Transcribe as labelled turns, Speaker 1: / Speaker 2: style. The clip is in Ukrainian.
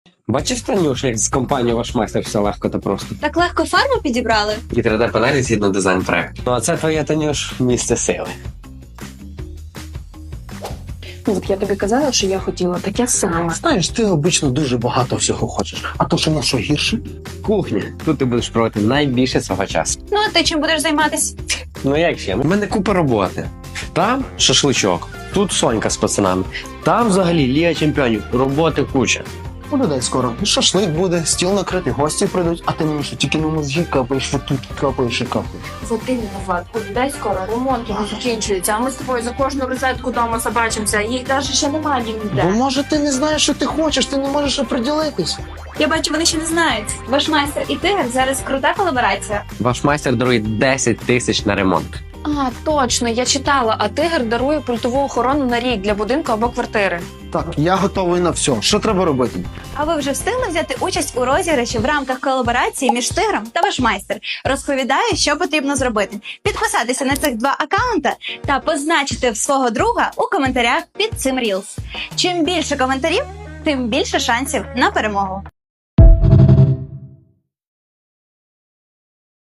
Speaker 1: Бачиш, Танюш, як з компанією ваш майстер все легко та просто.
Speaker 2: Так легко фарбу підібрали?
Speaker 1: І 3D-панелі згідно дизайн-проекту. Ну а це твоє, Танюш, місце сили.
Speaker 3: Ну, от я тобі казала, що я хотіла таке саме.
Speaker 4: Знаєш, ти обично дуже багато всього хочеш. А то, що на що гірше?
Speaker 1: Кухня. Тут ти будеш проводити найбільше свого часу.
Speaker 2: Ну, а ти чим будеш займатися?
Speaker 1: Ну як ще? У мене купа роботи. Там шашличок, тут Сонька з пацанами. Там взагалі Ліга чемпіонів. Роботи куча.
Speaker 4: У людей скоро і шашлик буде, стіл накритий, гості прийдуть, а ти мені що, тільки на мозги капаєш, отут капаєш і капаєш.
Speaker 3: За ти винуват. У людей скоро ремонт не закінчується, а ми з тобою за кожну розетку дома собачимося, їх навіть ще немає
Speaker 4: Бо
Speaker 3: ніде.
Speaker 4: може ти не знаєш, що ти хочеш, ти не можеш оприділитись.
Speaker 2: Я бачу, вони ще не знають. Ваш майстер і тигр зараз крута колаборація.
Speaker 1: Ваш майстер дарує 10 тисяч на ремонт.
Speaker 3: А, точно, я читала, а тигр дарує пультову охорону на рік для будинку або квартири.
Speaker 4: Так, я готовий на все. Що треба робити?
Speaker 2: А ви вже встигли взяти участь у розіграші в рамках колаборації між тигром та ваш майстер? Розповідаю, що потрібно зробити. Підписатися на цих два акаунта та позначити свого друга у коментарях під цим Reels. Чим більше коментарів, тим більше шансів на перемогу.